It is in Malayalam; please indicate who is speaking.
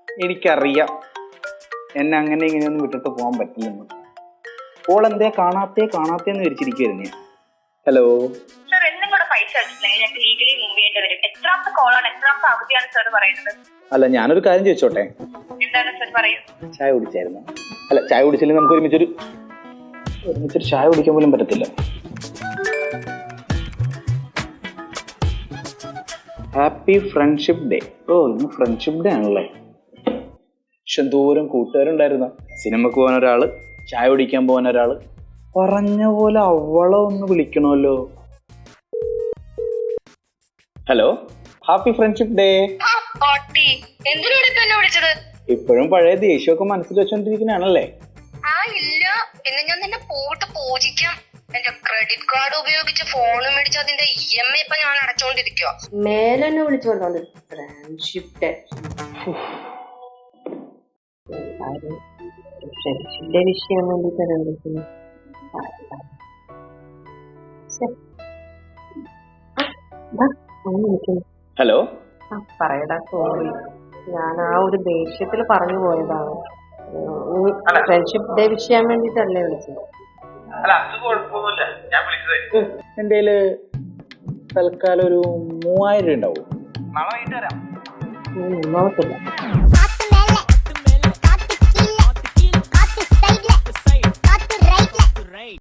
Speaker 1: എനിക്കറിയാം എന്നെ അങ്ങനെ ഇങ്ങനെയൊന്നും വിട്ടിട്ട് പോകാൻ പറ്റില്ലെന്ന്. ഓൾ എന്തേ കാണാത്തേന്ന് വിരിച്ചിരിക്കുവായിരുന്നു ഞാൻ. ഹലോ
Speaker 2: സർ, എന്നും കൂടെ പൈസ അടിച്ചില്ലെങ്കിൽ ഞങ്ങൾക്ക് ലീഗലി മൂവ് ചെയ്യേണ്ടി വരും. എത്രാമത്തെ കോളാണ്, എത്രാമത്തെ അവധിയാണ് സർ പറയുന്നത്?
Speaker 1: അല്ല, ഞാനൊരു കാര്യം ചോദിച്ചോട്ടെ?
Speaker 2: എന്താണ് സർ, പറയൂ.
Speaker 1: ചായ കുടിച്ചായിരുന്നു? അല്ല, ചായ കുടിച്ചില്ലെങ്കിൽ നമുക്ക് ഒരുമിച്ചൊരു ചായ കുടിക്കാൻ പോലും പറ്റത്തില്ല. Happy friendship day. ഓ, ഇന്ന് ഫ്രണ്ട്ഷിപ്പ് ഡേ ആണല്ലേ. പക്ഷെ എന്തോരം കൂട്ടുകാരുണ്ടായിരുന്ന. സിനിമക്ക് പോകാൻ ഒരാള്, ചായ കുടിക്കാൻ പോകാൻ ഒരാള്. പറഞ്ഞ പോലെ അവളെ ഒന്ന് വിളിക്കണമല്ലോ. Hello, happy friendship day. ഇപ്പോഴും പഴയ ദേഷ്യമൊക്കെ മനസ്സിൽ വെച്ചോണ്ടിരിക്കുന്നതാണല്ലേ?
Speaker 2: ഇല്ല, പിന്നെ ഞാൻ നിന്നെ പോയിട്ട് പൂജിക്കാം. എന്റെ ക്രെഡിറ്റ് കാർഡ് ഉപയോഗിച്ച് ഫോൺ മേടിച്ച് അതിന്റെ EMI ഇപ്പൊ ഞാൻ അടച്ചോണ്ടിരിക്കുക.
Speaker 3: മേലെന്നെ വിളിച്ചോണ്ടോ ഫ്രണ്ട്ഷിപ്പ് ഡേ. ഫ്രണ്ട്ഷിപ്പിന്റെ വിഷയം വേണ്ടിട്ടാണ് വിളിക്കുന്നത്.
Speaker 1: ഹലോ,
Speaker 3: പറയടാ, സോറി, ഞാൻ ആ ഒരു ദേഷ്യത്തിൽ പറഞ്ഞു പോയതാണ്. ഫ്രണ്ട്ഷിപ്പ് ഡേ വിഷയം വേണ്ടിട്ടല്ലേ വിളിച്ചത്?
Speaker 1: എന്റെ കയ്യില് തൽക്കാലം ഒരു 3000 രൂപ ഉണ്ടാവും.
Speaker 3: നോക്കത്തില്ല.